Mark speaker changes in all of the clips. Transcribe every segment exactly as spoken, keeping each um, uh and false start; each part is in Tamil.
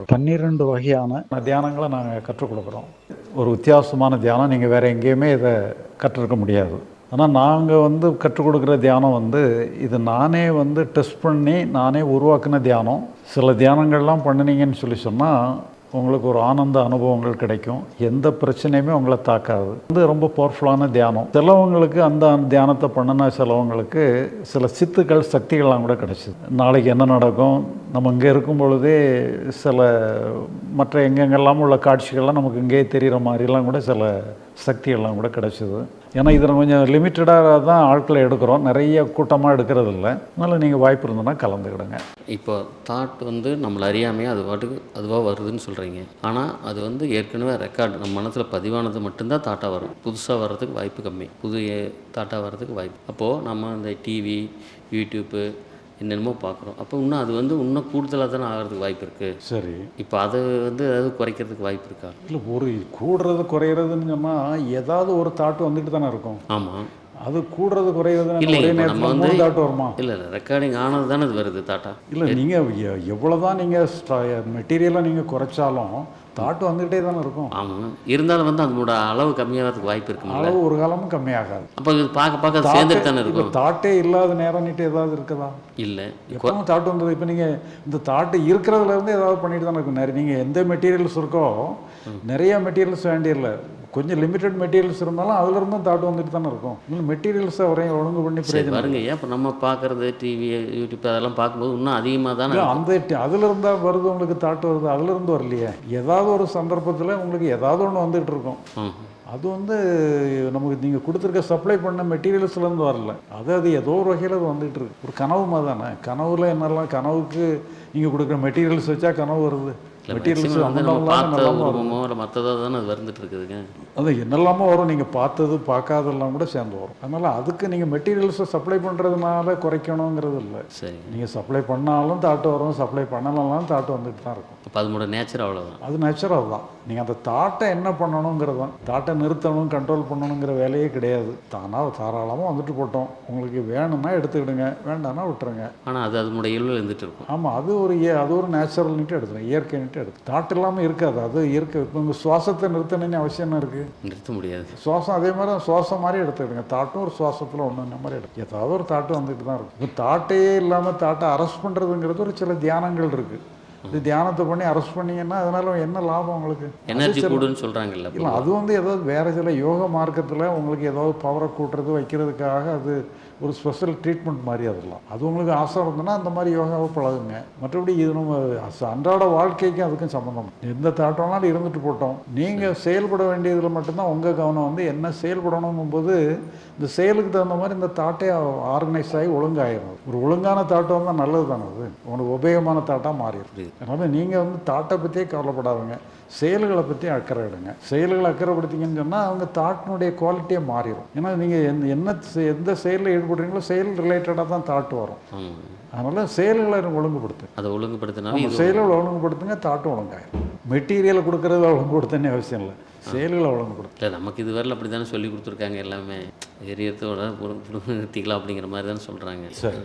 Speaker 1: பன்னிரெண்டு வகையான தியானங்களை நாங்கள் கற்றுக் கொடுக்குறோம். ஒரு வித்தியாசமான தியானம் நீங்கள் வேறு எங்கேயுமே இதை கற்றுருக்க முடியாது. ஆனால் நாங்கள் வந்து கற்றுக் கொடுக்குற தியானம் வந்து இது நானே வந்து டெஸ்ட் பண்ணி நானே உருவாக்கின தியானம். சில தியானங்கள்லாம் பண்ணினீங்கன்னு சொல்லி சொன்னால் உங்களுக்கு ஒரு ஆனந்த அனுபவங்கள் கிடைக்கும். எந்த பிரச்சனையுமே உங்களை தாக்காது. வந்து ரொம்ப பவர்ஃபுல்லான தியானம். சிலவங்களுக்கு அந்த தியானத்தை பண்ணினா சிலவங்களுக்கு சில சித்துக்கள் சக்திகள்லாம் கூட கிடைச்சிது. நாளைக்கு என்ன நடக்கும், நம்ம இங்கே இருக்கும் பொழுதே சில மற்ற எங்கெங்கெல்லாம் உள்ள காட்சிகள்லாம் நமக்கு இங்கேயே தெரிகிற மாதிரிலாம் கூட சில சக்திகள்லாம் கூட கிடைச்சிது. ஏன்னா இதில் கொஞ்சம் லிமிட்டடாக தான் ஆட்களை எடுக்கிறோம், நிறைய கூட்டமாக எடுக்கிறது இல்லை. அதனால் நீங்கள் வாய்ப்பு இருந்ததுன்னா கலந்துக்கிடுங்க.
Speaker 2: இப்போ தாட் வந்து நம்மளை அறியாமையே அது பாட்டுக்கு அதுவாக வருதுன்னு சொல்கிறீங்க. ஆனால் அது வந்து ஏற்கனவே ரெக்கார்டு நம்ம மனசில் பதிவானது மட்டும்தான் தாட்டாக வரும். புதுசாக வர்றதுக்கு வாய்ப்பு கம்மி, புது தாட்டாக வர்றதுக்கு வாய்ப்பு. அப்போது நம்ம இந்த டிவி, யூடியூப்பு என்னென்னமோ பார்க்குறோம். அப்போ இன்னும் அது வந்து இன்னும் கூடுதலாக தானே ஆகிறதுக்கு வாய்ப்பு இருக்குது.
Speaker 1: சரி,
Speaker 2: இப்போ அதை வந்து ஏதாவது குறைக்கிறதுக்கு வாய்ப்பு இருக்கா?
Speaker 1: இல்லை, ஒரு கூடுறது குறையிறதுன்னு சொன்னால் ஏதாவது ஒரு தாட்டு வந்துட்டு தானே இருக்கும்.
Speaker 2: ஆமாம்,
Speaker 1: அது கூடுறது குறையிறது
Speaker 2: இல்லை.
Speaker 1: ஒரே
Speaker 2: இப்போ நம்ம
Speaker 1: நேரத்தில்
Speaker 2: வந்து
Speaker 1: மூணு தாட்டு வருமா?
Speaker 2: இல்லை இல்லை ரெக்கார்டிங் ஆனது தானே அது வருது தாட்டா.
Speaker 1: இல்லை, நீங்கள் எவ்வளோ தான் நீங்கள் மெட்டீரியலாக நீங்கள் குறைச்சாலும் தாட்டு வந்துக்கிட்டே தானே இருக்கும்.
Speaker 2: ஆமாம், இருந்தாலும் வந்து அதனோட அளவு கம்மியாகிறதுக்கு வாய்ப்பு இருக்குங்களா?
Speaker 1: அளவு ஒரு காலமும் கம்மியாகாது.
Speaker 2: அப்போ இது பார்க்க பார்க்க அது சேர்ந்துட்டு தானே இருக்கும்.
Speaker 1: தாட்டே இல்லாத நேரம் நீட்டு ஏதாவது இருக்குதா?
Speaker 2: இல்லை,
Speaker 1: எப்பவும் தாட்டு வந்தது. இப்போ நீங்கள் இந்த தாட்டு இருக்கிறதுலேருந்து ஏதாவது பண்ணிட்டு தானே இருக்கும். நிறைய நீங்கள் எந்த மெட்டீரியல்ஸ் இருக்கோ நிறைய மெட்டீரியல்ஸ் வேண்டியில்லை, கொஞ்சம் லிமிட்டட் மெட்டீரியல்ஸ் இருந்தாலும் அதுலேருந்தும் தாட்டு வந்துட்டு தானே இருக்கும். இன்னும் மெட்டீரியல்ஸை வரையும் ஒழுங்கு பண்ணி பிரயோஜனம்
Speaker 2: பாருங்க. ஏன் இப்போ நம்ம பார்க்குறது டிவி, யூடியூப் அதெல்லாம் பார்க்கும்போது இன்னும் அதிகமாக தானே
Speaker 1: அந்த அதில் இருந்தால் வருது, உங்களுக்கு தாட்டு வருது. அதுலேருந்து வரலையே, ஏதாவது ஒரு சந்தர்ப்பத்தில் உங்களுக்கு ஏதாவது ஒன்று வந்துகிட்டு இருக்கும். அது வந்து நமக்கு நீங்கள் கொடுத்துருக்க சப்ளை பண்ண மெட்டீரியல்ஸ்லேருந்து வரல, அது அது ஏதோ ஒரு வகையில் அது வந்துகிட்டு இருக்கு. ஒரு கனவு மாதிரி தானே. கனவுல என்னெல்லாம் கனவுக்கு நீங்கள் கொடுக்குற மெட்டீரியல்ஸ் வச்சா கனவு வருது. மெட்டீரியல்ஸ்
Speaker 2: மற்றதாக தானே அது வந்துட்டு இருக்குதுங்க.
Speaker 1: அது என்னெல்லாமோ வரும், நீங்கள் பார்த்தது பார்க்காதெல்லாம் கூட சேர்ந்து வரும். அதனால் அதுக்கு நீங்கள் மெட்டீரியல்ஸை சப்ளை பண்ணுறதுனால குறைக்கணுங்கிறது இல்லை.
Speaker 2: சரி,
Speaker 1: நீங்கள் சப்ளை பண்ணாலும் தாட்டு வரும், சப்ளை பண்ணலாம் தாட்டு வந்துட்டு தான் இருக்கும்.
Speaker 2: இப்போ அதனோட நேச்சர் அவ்வளோதான்.
Speaker 1: அது நேச்சராக தான். நீங்கள் அந்த தாட்டை என்ன பண்ணணுங்கிறது தான். தாட்டை நிறுத்தணும், கண்ட்ரோல் பண்ணணுங்கிற வேலையே கிடையாது. தானாக தாராளமாக வந்துட்டு போட்டோம். உங்களுக்கு வேணும்னா எடுத்துக்கிடுங்க, வேண்டாம்னா விட்டுருங்க.
Speaker 2: ஆனால் அது அதனுடைய இயல்பில் இருந்துட்டு இருக்கும்.
Speaker 1: ஆமாம், அது ஒரு அது ஒரு நேச்சுரல்னிட்டு எடுத்துருங்க, இயற்கைன்ட்டு எடுத்து. தாட்டு இல்லாமல் இருக்காது, அது இயற்கை. இப்போ உங்கள் சுவாசத்தை நிறுத்தணும்னு அவசியம் என்ன இருக்குது?
Speaker 2: நிறுத்த முடியாது.
Speaker 1: சுவாசம் அதே மாதிரி சுவாசம் மாதிரி எடுத்துக்கிடுங்க. தாட்டும் ஒரு சுவாசத்தில் ஒன்று இந்த மாதிரி எடுத்து ஏதாவது ஒரு தாட்டு வந்துட்டு தான் இருக்கும். இப்போ தாட்டையே இல்லாமல் தாட்டை அரெஸ்ட் பண்ணுறதுங்கிறது ஒரு சில தியானங்கள் இருக்குது. இது தியானத்தை பண்ணி அரெஸ்ட் பண்ணிங்கன்னா அதனால என்ன லாபம் உங்களுக்கு?
Speaker 2: எனர்ஜி கூடுன்னு சொல்கிறாங்கல்ல.
Speaker 1: இல்லை, அது வந்து ஏதாவது வேறு சில யோக மார்க்கத்தில் உங்களுக்கு ஏதாவது பவரை கூட்டுறது வைக்கிறதுக்காக அது ஒரு ஸ்பெஷல் ட்ரீட்மெண்ட் மாதிரி. அதெல்லாம் அது உங்களுக்கு ஆசை இருந்ததுன்னா அந்த மாதிரி யோகாவை பழகுங்க. மற்றபடி இது நம்ம அன்றாட வாழ்க்கைக்கும் அதுக்கும் சம்மந்தம். எந்த தாட்டம்னாலும் இருந்துட்டு போட்டோம். நீங்கள் செயல்பட வேண்டியதில் மட்டும்தான் உங்கள் கவனம் வந்து என்ன செயல்படணும் போது இந்த செயலுக்கு தகுந்த மாதிரி இந்த தாட்டே ஆர்கனைஸ் ஆகி ஒழுங்காயிரும். ஒரு ஒழுங்கான தாட்டம் வந்தால் நல்லது தானே, அது உங்களுக்கு உபயோகமான தாட்டாக மாறிடுது. அதனால் நீங்கள் வந்து தாட்டை பற்றியே கவலைப்படாதுங்க, செயல்களை பற்றி அக்கறை எடுங்க. செயல்களை அக்கறைப்படுத்திங்கன்னு சொன்னால் அவங்க தாட்டினுடைய குவாலிட்டியே மாறிடும். ஏன்னா நீங்கள் எந்த என்ன எந்த செயலில் ஈடுபடுறீங்களோ செயல் ரிலேட்டடாக தான் தாட்டு வரும். அதனால் செயல்களை ஒழுங்குபடுத்து.
Speaker 2: அதை ஒழுங்குபடுத்தினா
Speaker 1: செயல்களை ஒழுங்குபடுத்துங்க, தாட்டு ஒழுங்காயிரும். மெட்டீரியலை கொடுக்குறத ஒழுங்குபடுத்தனே அவசியம் இல்லை, செயல்களை ஒழுங்குபடுத்து.
Speaker 2: இல்லை, நமக்கு இது வரல அப்படி தானே சொல்லி கொடுத்துருக்காங்க. எல்லாமே எரியத்தோட நிறுத்திக்கலாம் அப்படிங்கிற மாதிரி தானே சொல்கிறாங்க.
Speaker 1: சரி,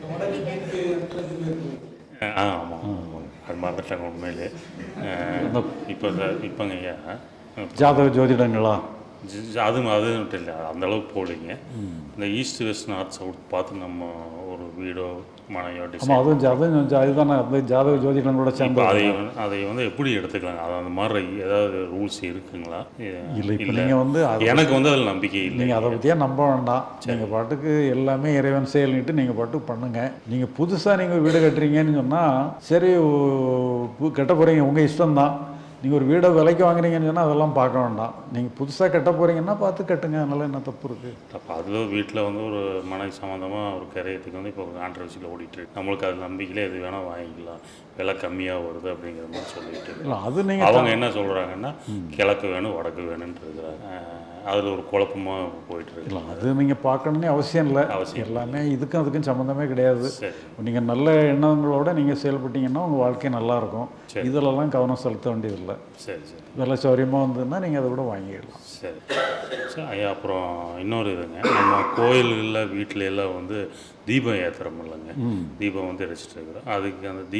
Speaker 3: ஆ ஆமாம் ஆமாம், அது மறந்துட்டாங்க உண்மையிலே. இப்போ இப்போங்க ஐயா
Speaker 1: ஜாதக ஜோதிடங்களா?
Speaker 3: அது அது மட்டும் இல்லை, அந்தளவுக்கு போகலைங்க. இந்த ஈஸ்ட் வெஸ்ட் நார்த் சவுத் பார்த்து நம்ம ஒரு வீடோ மனையோ டிசைன்,
Speaker 1: அதுவும் அதுவும் அதுதானே அந்த ஜாதக ஜோதிடங்களோட சேர்ந்து
Speaker 3: அதை அதை வந்து எப்படி எடுத்துக்கலாங்க? அது அந்த மாதிரி ஏதாவது ரூல்ஸ் இருக்குங்களா?
Speaker 1: இல்லை, இப்போ நீங்கள் வந்து
Speaker 3: எனக்கு வந்து அதில் நம்பிக்கை இல்லை.
Speaker 1: நீங்கள் அதை பற்றியே நம்ப வேண்டாம். நீங்கள் பாட்டுக்கு எல்லாமே இறைவன் செயல்னிட்டு நீங்கள் பாட்டுக்கு பண்ணுங்கள். நீங்கள் புதுசாக நீங்கள் வீடு கட்டுறீங்கன்னு சொன்னால் சரி, கட்ட போகிறீங்க, உங்கள் இஷ்டம்தான். நீங்கள் ஒரு வீடை விலைக்கு வாங்குறீங்கன்னு சொன்னால் அதெல்லாம் பார்க்க வேண்டாம். நீங்கள் புதுசாக கட்ட போகிறீங்கன்னா பார்த்து கட்டுங்க, அதனால என்ன தப்பு இருக்குது?
Speaker 3: அப்போ அதில் வீட்டில் வந்து ஒரு மனை சம்மந்தமாக ஒரு கரையத்துக்கு வந்து இப்போ ஒரு கான்ட்ரவர்சியில் ஓடிட்டுருக்கு. நம்மளுக்கு அது நம்பிக்கையில் எது வேணால் வாங்கிக்கலாம், விலை கம்மியாக வருது அப்படிங்கிற மாதிரி சொல்லிட்டு
Speaker 1: இல்லை. அது நீங்கள்
Speaker 3: அவங்க என்ன சொல்கிறாங்கன்னா கிழக்கு வேணும் வடக்கு வேணும்னு இருக்கிறாங்க. அதில் ஒரு குழப்பமாக போயிட்டுருக்கு.
Speaker 1: இல்லை, அது நீங்கள் பார்க்கணுன்னே அவசியம் இல்லை. அவசியம் எல்லாமே இதுக்கும் அதுக்கும் சம்மந்தமே கிடையாது. நீங்கள் நல்ல எண்ணங்களோடு நீங்கள் செயல்பட்டீங்கன்னா உங்கள் வாழ்க்கை நல்லாயிருக்கும். இதிலெல்லாம் கவனம் செலுத்த வேண்டியதில்லை.
Speaker 3: சரி சரி,
Speaker 1: விலை சௌரியமாக வந்ததுன்னா நீங்கள் அதை கூட வாங்கிடலாம்.
Speaker 3: சரி சரி ஐயா. அப்புறம் இன்னொரு இதுங்க, நம்ம கோயில்களில் வீட்டில எல்லாம் வந்து தீபம் ஏற்றுறோம் இல்லைங்க, தீபம் வந்து எரிச்சிட்டு இருக்கிறோம். அதுக்கு அந்த தீபம் எரி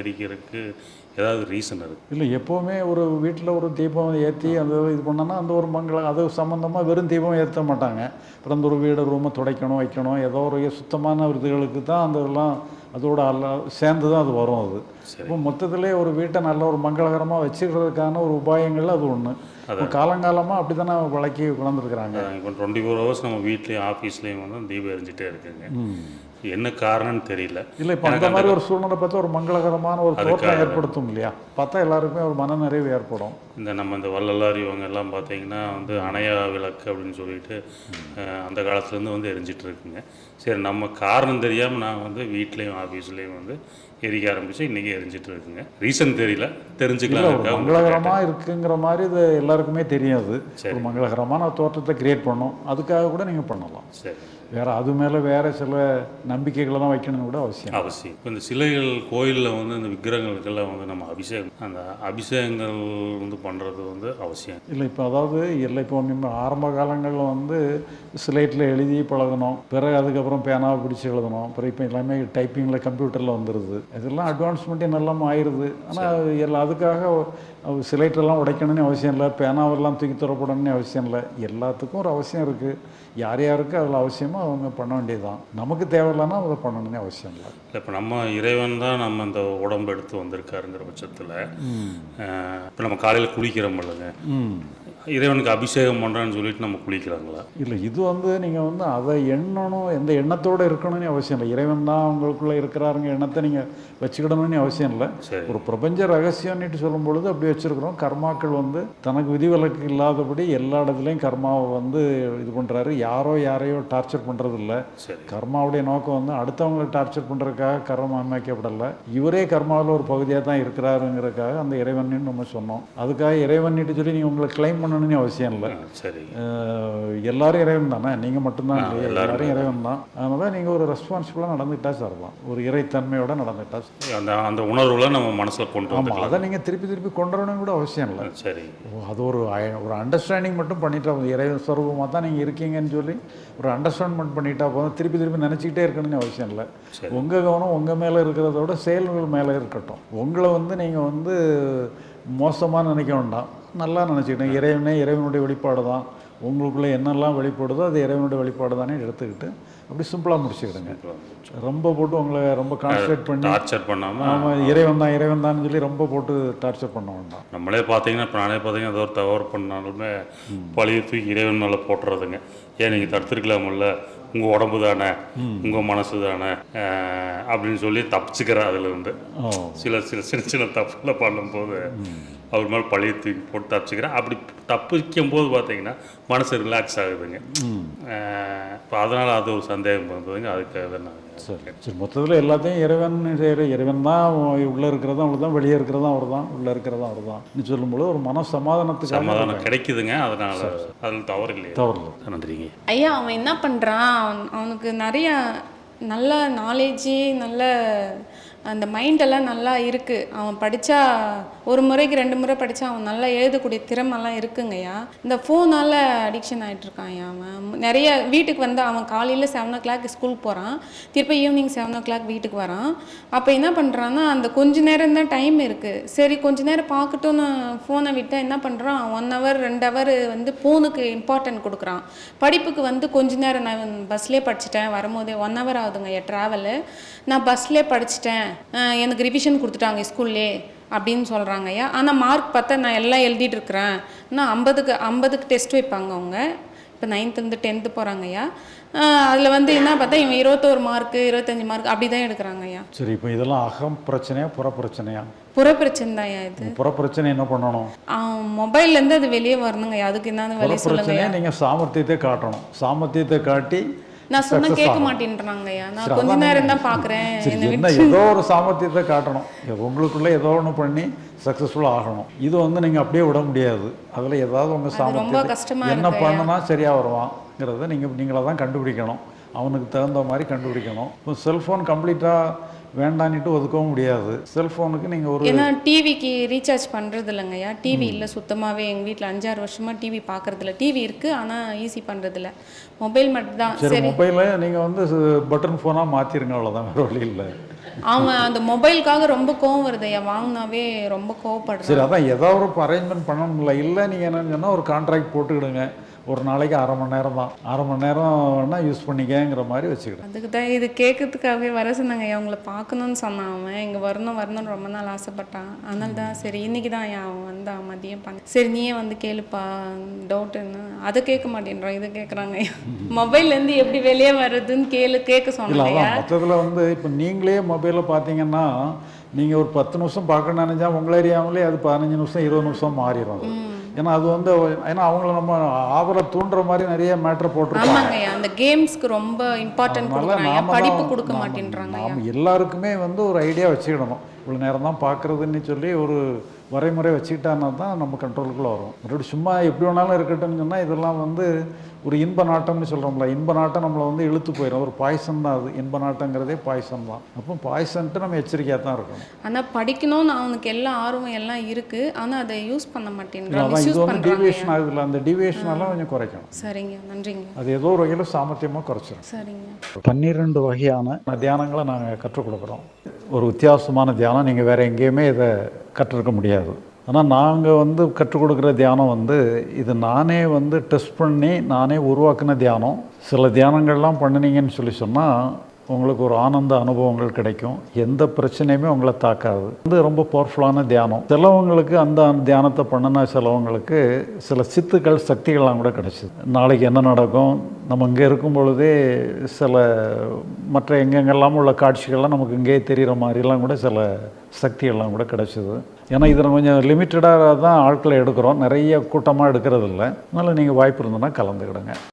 Speaker 3: பிடிக்கிறதுக்கு ஏதாவது ரீசன் இருக்குது?
Speaker 1: இல்லை, எப்போவுமே ஒரு வீட்டில் ஒரு தீபம் ஏற்றி அந்த இது பண்ணோன்னா அந்த ஒரு மங்களம் அது சம்மந்தமாக வெறும் தீபம் ஏற்ற மாட்டாங்க. அப்புறம் அந்த ஒரு வீடு ரூமை துடைக்கணும் வைக்கணும், ஏதோ ஒரு சுத்தமான விருதுகளுக்கு தான் அந்த இதெல்லாம் அதோட அல்ல சேர்ந்து தான் அது வரும். அது இப்போ மொத்தத்திலே ஒரு வீட்டை நல்ல ஒரு மங்களகரமாக வச்சுக்கிறதுக்கான ஒரு உபாயங்கள் அது ஒன்று. இப்போ காலங்காலமாக அப்படி தானே வழக்கி கொண்டாந்துருக்குறாங்க.
Speaker 3: இப்போ டுவெண்ட்டி ஃபோர் ஹவர்ஸ் நம்ம வீட்லேயும் ஆஃபீஸ்லேயும் வந்து தீபம் எரிஞ்சிட்டே இருக்குங்க. என்ன காரணம்னு தெரியல.
Speaker 1: இல்லை, இப்போ அந்த மாதிரி ஒரு சூழ்நிலை பார்த்தா ஒரு மங்களகரமான ஒரு தோற்றம் ஏற்படுத்தும் இல்லையா? பார்த்தா எல்லாருக்குமே ஒரு மன நிறைவு ஏற்படும்.
Speaker 3: இந்த நம்ம இந்த வள்ளலார் இவங்க எல்லாம் பார்த்தீங்கன்னா வந்து அணையா விளக்கு அப்படின்னு சொல்லிட்டு அந்த காலத்துலேருந்து வந்து எரிஞ்சிட்டு இருக்குங்க. சரி, நம்ம காரணம் தெரியாமல் நான் வந்து வீட்லேயும் ஆஃபீஸ்லேயும் வந்து எரிக்க ஆரம்பிச்சு இன்றைக்கி எரிஞ்சிட்டு இருக்குங்க. ரீசன் தெரியல, தெரிஞ்சுக்கலாம்.
Speaker 1: மங்களகரமாக இருக்குங்கிற மாதிரி இது எல்லாருக்குமே தெரியாது. ஒரு மங்களகரமான தோற்றத்தை கிரியேட் பண்ணோம், அதுக்காக கூட நீங்கள் பண்ணலாம்.
Speaker 3: சரி,
Speaker 1: வேறு அது மேலே வேறு சில நம்பிக்கைகளை தான் வைக்கணும்னு கூட அவசியம்
Speaker 3: அவசியம். இப்போ இந்த சிலைகள் கோயிலில் வந்து இந்த விக்கிரகங்களுக்கெல்லாம் வந்து நம்ம அபிஷேகம் அந்த அபிஷேகங்கள் வந்து பண்ணுறது வந்து அவசியம்
Speaker 1: இல்லை. இப்போ அதாவது இல்லை, இப்போ நம்ம ஆரம்ப காலங்களில் வந்து ஸ்லேட்டில் எழுதி பழகணும், பிறகு அதுக்கப்புறம் பேனாவை பிடிச்சி எழுதணும், பிறகு இப்போ எல்லாமே டைப்பிங்கில் கம்ப்யூட்டரில் வந்துடுது. இதெல்லாம் அட்வான்ஸ்மெண்ட்டே நல்லாமல் ஆயிடுது. ஆனால் எல்லாம் அதுக்காக சிலைட்டெல்லாம் உடைக்கணும்னு அவசியம் இல்லை, பேனாவெல்லாம் தூக்கி தரப்படணும்னு அவசியம் இல்லை. எல்லாத்துக்கும் ஒரு அவசியம் இருக்குது. யார் யாருக்கு அதில் அவசியமாக அவங்க பண்ண வேண்டியது தான். நமக்கு தேவையில்லைன்னா அதை பண்ணணும்னு அவசியம் இல்லை.
Speaker 3: இல்லை, இப்போ நம்ம இறைவன் தான் நம்ம இந்த உடம்பு எடுத்து வந்திருக்காருங்கிற பட்சத்தில் இப்போ நம்ம காலையில் குளிக்கிறோம் இல்லைங்க, இறைவனுக்கு அபிஷேகம் பண்ணுறேன்னு சொல்லிட்டு நம்ம குளிக்கிறாங்களா?
Speaker 1: இல்லை, இது வந்து நீங்கள் வந்து அதை எண்ணணும், எந்த எண்ணத்தோடு இருக்கணும்னு அவசியம் இல்லை. இறைவன் தான் உங்களுக்குள்ளே இருக்கிறாருங்க எண்ணத்தை நீங்கள் வச்சுக்கிடணும்னு அவசியம் இல்லை. ஒரு பிரபஞ்ச ரகசியம்னுட்டு சொல்லும் பொழுது அப்படி வச்சுருக்குறோம். கர்மாக்கள் வந்து தனக்கு விதிவிலக்கு இல்லாதபடி எல்லா இடத்துலையும் கர்மாவை வந்து இது பண்ணுறாரு. யாரோ யாரையோ டார்ச்சர் பண்ணுறது இல்லை. கர்மாவுடைய நோக்கம் வந்து அடுத்தவங்களை டார்ச்சர் பண்ணுறதுக்காக கர்மா அமைக்கப்படலை. இவரே கர்மாவில் ஒரு பகுதியாக தான் இருக்கிறாருங்கிறதுக்காக அந்த இறைவன் நம்ம சொன்னோம். அதுக்காக இறைவன்ட்டு சொல்லி நீங்கள் உங்களை கிளைம் பண்ணணும்னு அவசியம் இல்லை.
Speaker 3: சரி,
Speaker 1: எல்லாரும் இறைவன் தானே, நீங்கள் மட்டும்தான் இல்லையா? எல்லாரும் இறைவன் தான். அதனால் நீங்கள் ஒரு ரெஸ்பான்சிபிளாக நடந்துக்கிட்டா சார்லாம், ஒரு இறைத்தன்மையோட நடந்துக்கிட்டா
Speaker 3: அந்த அந்த உணர்வுல நம்ம மனசில் கொண்டு
Speaker 1: வரணும். அதை நீங்கள் திருப்பி திருப்பி கொண்டு வரணும் கூட அவசியம் இல்லை.
Speaker 3: சரி,
Speaker 1: அது ஒரு ஒரு அண்டர்ஸ்டாண்டிங் மட்டும் பண்ணிட்டா போதும். இறைவன் ஸ்வரூபமாக தான் நீங்கள் இருக்கீங்கன்னு சொல்லி ஒரு அண்டர்ஸ்டாண்ட்மெண்ட் பண்ணிட்டா போதும். திருப்பி திருப்பி நினச்சிக்கிட்டே இருக்கணும்னு அவசியம் இல்லை. உங்கள் கவனம் உங்கள் மேலே இருக்கிறதோட செயல்கள் மேலே இருக்கட்டும். உங்களை வந்து நீங்கள் வந்து மோசமாக நினைக்க வேண்டாம், நல்லா நினச்சிக்கிட்டேன். இறைவனே இறைவனுடைய வெளிப்பாடு தான், உங்களுக்குள்ளே என்னெல்லாம் வெளிப்படுதோ அது இறைவனுடைய வெளிப்பாடு தானே எடுத்துக்கிட்டு அப்படி சிம்பிளாக முடிச்சுக்கிடுங்க. ரொம்ப போட்டு உங்களை ரொம்ப கான்சன்ட்ரேட் பண்ணி
Speaker 3: டார்ச்சர் பண்ணாமல்
Speaker 1: ஆமாம் இறைவன் தான் இறைவன் தான் சொல்லி ரொம்ப போட்டு டார்ச்சர் பண்ண வேண்டாம்.
Speaker 3: நம்மளே பார்த்தீங்கன்னா இப்போ நானே பார்த்தீங்கன்னா ஏதோ ஒரு தவறு பண்ணாலுமே பழைய தூக்கி இறைவன் மேலே போட்டுறதுங்க. ஏன் நீங்கள் தடுத்துருக்கலாமில்ல, உங்கள் உடம்பு தானே, உங்கள் மனசு தானே அப்படின்னு சொல்லி தப்பிச்சுக்கிறேன். அதுலேருந்து சில சில சின்ன சின்ன தப்புல பண்ணும்போது அவர் மேலே பழைய தூக்கி போட்டு தப்பிச்சுக்கிறேன். அப்படி தப்பிக்கும் போது பார்த்தீங்கன்னா மனசு ரிலாக்ஸ் ஆகுதுங்க. இப்போ அதனால் அது ஒரு சந்தேகம் வந்ததுங்க. அதுக்காக தான் நான்
Speaker 1: சரி சரி மொத்தத்தில் எல்லாத்தையும் இறைவன் இறைவன் தான் உள்ளே இருக்கிறதும் அவர் தான், வெளியே இருக்கிறதும் அவர் தான், உள்ளே இருக்கிறதும் அவர் தான் சொல்லும்போது ஒரு மன சமாதானத்துக்கு
Speaker 3: சமாதானம் கிடைக்குதுங்க. அதனால் அதில் தவறு இல்லையா?
Speaker 1: தவறு இல்லை.
Speaker 3: நன்றிங்க
Speaker 4: ஐயா. அவன் என்ன பண்ணுறான், அவனுக்கு நிறைய நல்ல நாலேஜு, நல்ல அந்த மைண்டெல்லாம் நல்லா இருக்குது. அவன் படித்தா ஒரு முறைக்கு ரெண்டு முறை படித்தா அவன் நல்லா எழுதக்கூடிய திறமெல்லாம் இருக்குங்கய்யா. இந்த ஃபோனால் அடிக்ஷன் ஆகிட்டுருக்கான் ஐயா. அவன் நிறைய வீட்டுக்கு வந்து அவன் காலையில் செவன் ஓ கிளாக் ஸ்கூலுக்கு போகிறான், திருப்பி ஈவினிங் செவன் ஓ கிளாக் வீட்டுக்கு வரான். அப்போ என்ன பண்ணுறான்னா அந்த கொஞ்ச நேரம் தான் டைம் இருக்குது, சரி கொஞ்ச நேரம் பார்க்கட்டும்னு ஃபோனை விட்டால் என்ன பண்ணுறான், ஒன் ஹவர் ரெண்டு ஹவர் வந்து ஃபோனுக்கு இம்பார்ட்டன்ட் கொடுக்குறான். படிப்புக்கு வந்து கொஞ்ச நேரம் நான் பஸ்லேயே படிச்சுட்டேன், வரும்போதே ஒன் ஹவர் ஆகுதுங்க ஐயா ட்ராவலு, நான் பஸ்லேயே படிச்சுட்டேன், எனக்கு ரிவிஷன் கொடுத்துட்டாங்க ஸ்கூல்லே அப்படின்னு சொல்கிறாங்க ஐயா. ஆனால் மார்க் பார்த்தா நான் எல்லாம் எழுதிட்டு இருக்கிறேன். நான் ஐம்பதுக்கு ஐம்பதுக்கு டெஸ்ட் வைப்பாங்க அவங்க. இப்போ நைன்த்துலேருந்து டென்த்து போகிறாங்க ஐயா. அதில் வந்து என்ன பார்த்தா இவன் இருபத்தோரு மார்க்கு இருபத்தஞ்சி மார்க் அப்படி தான் எடுக்கிறாங்க ஐயா.
Speaker 1: சரி, இப்போ இதெல்லாம் அகம் பிரச்சனையா புற பிரச்சனையா?
Speaker 4: புற பிரச்சனை தான் ஐயா. இது
Speaker 1: புற பிரச்சனை என்ன பண்ணணும்?
Speaker 4: மொபைல்லேருந்து அது வெளியே வரணுங்க ஐயா. அதுக்கு என்ன வெளியே சொல்லுங்க.
Speaker 1: நீங்கள் சாமர்த்தியத்தை காட்டணும். சாமர்த்தியத்தை காட்டி
Speaker 4: நான் சொன்னா கேட்க மாட்டேன்றாங்க ஐயா. நான் கொஞ்ச நேரம் தான் பார்க்குறேன்.
Speaker 1: ஏதோ ஒரு சாமர்த்தியத்தை காட்டணும், உங்களுக்குள்ளே ஏதோ ஒன்று பண்ணி சக்ஸஸ்ஃபுல்லாக ஆகணும். இது வந்து நீங்கள் அப்படியே விட முடியாது. அதில் ஏதாவது உங்கள் சாமர்த்தியம் என்ன பண்ணுனா சரியாக வருவாங்கிறத நீங்கள் நீங்களாக தான் கண்டுபிடிக்கணும். அவனுக்கு தகுந்த மாதிரி கண்டுபிடிக்கணும். இப்போ செல்ஃபோன் கம்ப்ளீட்டாக வேண்டான்னுட்டு ஒதுக்கவும் முடியாது. செல்ஃபோனுக்கு நீங்கள் ஒரு
Speaker 4: ஏன்னா டிவிக்கு ரீசார்ஜ் பண்ணுறது இல்லைங்கய்யா. டிவி இல்லை சுத்தமாகவே. எங்கள் வீட்டில் அஞ்சாறு வருஷமாக டிவி பார்க்குறதில்ல. டிவி இருக்குது ஆனால் ஈஸி பண்ணுறதில்ல. மொபைல் மட்டும் தான்.
Speaker 1: சரி, மொபைலை நீங்கள் வந்து பட்டன் ஃபோனாக மாற்றிருங்க, அவ்வளோதான், வேறு வழி இல்லை.
Speaker 4: அவன் அந்த மொபைலுக்காக ரொம்ப கோவம் வருது ஐயா, வாங்கினாவே ரொம்ப கோவப்படுறான்.
Speaker 1: சரி, அதான் ஏதாவது ஒரு அரேஞ்ச்மெண்ட் பண்ணணும்ல. இல்லை நீங்கள் என்னன்னு சொன்னால் ஒரு கான்ட்ராக்ட் போட்டுக்கிடுங்க, ஒரு நாளைக்கு அரை மணி நேரம் தான், அரை மணி நேரம் வேணால் யூஸ் பண்ணிக்கங்கிற மாதிரி வச்சுக்கிடுங்க.
Speaker 4: அதுக்கு தான் இது கேட்கறதுக்காகவே வர சொன்னாங்க ஐயா, உங்களை பார்க்கணுன்னு சொன்னான். அவன் இங்கே வரணும் வரணும்னு ரொம்ப நாள் ஆசைப்பட்டான். அதனால தான் சரி இன்னைக்கு தான் ஐயா அவன் வந்தான் மதியம் பண்ண. சரி நீயே வந்து கேளுப்பா டவுட்டுன்னு. அதை கேட்க மாட்டேன்றான், இதை கேட்குறாங்க ஐயா. மொபைல்லேருந்து எப்படி வெளியே வர்றதுன்னு கேளு கேட்க
Speaker 1: இல்லை,
Speaker 4: சொன்னாங்க ஐயா.
Speaker 1: அதான் மொத்தத்தில் வந்து இப்போ நீங்களே மொபைலில் பார்த்தீங்கன்னா நீங்கள் ஒரு பத்து நிமிஷம் பார்க்க நினைச்சா உங்களை அறியாமலே அது பதினஞ்சு நிமிஷம் இருபது நிமிஷம் மாறிடும் அது. ஏன்னா அது வந்து ஏன்னா அவங்கள நம்ம ஆவலை தூண்டுற மாதிரி நிறைய மேட்ரு போட்டிருப்பாங்க.
Speaker 4: ஆமாங்க ஐயா, அந்த கேம்ஸ்க்கு ரொம்ப இம்பார்ட்டன்ட் கொடுக்குறாங்க, படிப்பு கொடுக்க மாட்டேன்றாங்க ஐயா.
Speaker 1: நாம் எல்லாருக்குமே வந்து ஒரு ஐடியா வச்சுக்கிடணும், இவ்வளோ நேரம் தான் பார்க்குறதுன்னு சொல்லி ஒரு வரைமுறை வச்சுக்கிட்டான்னா தான் நம்ம கண்ட்ரோலுக்குள்ளே வரும். மறுபடியும் சும்மா எப்படி வேணாலும் இருக்கட்டும்னு சொன்னால் இதெல்லாம் வந்து ஒரு இன்ப நாட்டம்னு சொல்கிறோம்ல, இன்ப நாட்டம் நம்மளை வந்து இழுத்து போயிடும். ஒரு பாய்சன் தான் அது, இன்ப நாட்டங்கிறதே பாய்சன் தான். அப்போ பாய்சன்ட்டு நம்ம எச்சரிக்கையாக தான் இருக்கணும்.
Speaker 4: ஆனால் படிக்கணும்னு அவனுக்கு எல்லா ஆர்வம் எல்லாம் இருக்குது, ஆனால் அதை யூஸ் பண்ண மாட்டேங்கிறான்,
Speaker 1: அதான் இது
Speaker 4: மிஸ்யூஸ்
Speaker 1: வந்து
Speaker 4: பண்ணுறாங்க.
Speaker 1: டீவியேஷன் ஆகுதுல்ல, அந்த டீவியேஷனெல்லாம் கொஞ்சம் குறைக்கணும்.
Speaker 4: சரிங்க, நன்றிங்க.
Speaker 1: அது ஏதோ ஒரு வகையில் சாமர்த்தியமாக குறைச்சிடும்.
Speaker 4: சரிங்க.
Speaker 1: பன்னிரெண்டு வகையான தியானங்களை நாங்கள் கற்றுக் கொடுக்குறோம். ஒரு வித்தியாசமான தியானம் நீங்கள் வேறு எங்கேயுமே இதை கற்றுருக்க முடியாது. ஆனால் நாங்கள் வந்து கற்றுக் கொடுக்குற தியானம் வந்து இது நானே வந்து டெஸ்ட் பண்ணி நானே உருவாக்கின தியானம். சில தியானங்கள்லாம் பண்ணினீங்கன்னு சொல்லி சொன்னால் உங்களுக்கு ஒரு ஆனந்த அனுபவங்கள் கிடைக்கும், எந்த பிரச்சனையுமே உங்களை தாக்காது. வந்து ரொம்ப பவர்ஃபுல்லான தியானம். சிலவங்களுக்கு அந்த தியானத்தை பண்ணினா சிலவங்களுக்கு சில சித்துக்கள் சக்திகள்லாம் கூட கிடச்சிது. நாளைக்கு என்ன நடக்கும், நம்ம இங்கே இருக்கும் பொழுதே சில மற்ற எங்கெங்கெல்லாம் உள்ள காட்சிகள்லாம் நமக்கு இங்கே தெரிகிற மாதிரிலாம் கூட சில சக்திகள்லாம் கூட கிடச்சிது. ஏன்னா இதில் கொஞ்சம் லிமிட்டடாக தான் ஆட்களை எடுக்கிறோம், நிறைய கூட்டமாக எடுக்கிறது இல்லை. அதனால் நீங்கள் வாய்ப்பு இருந்ததுன்னா கலந்துக்கிடுங்க.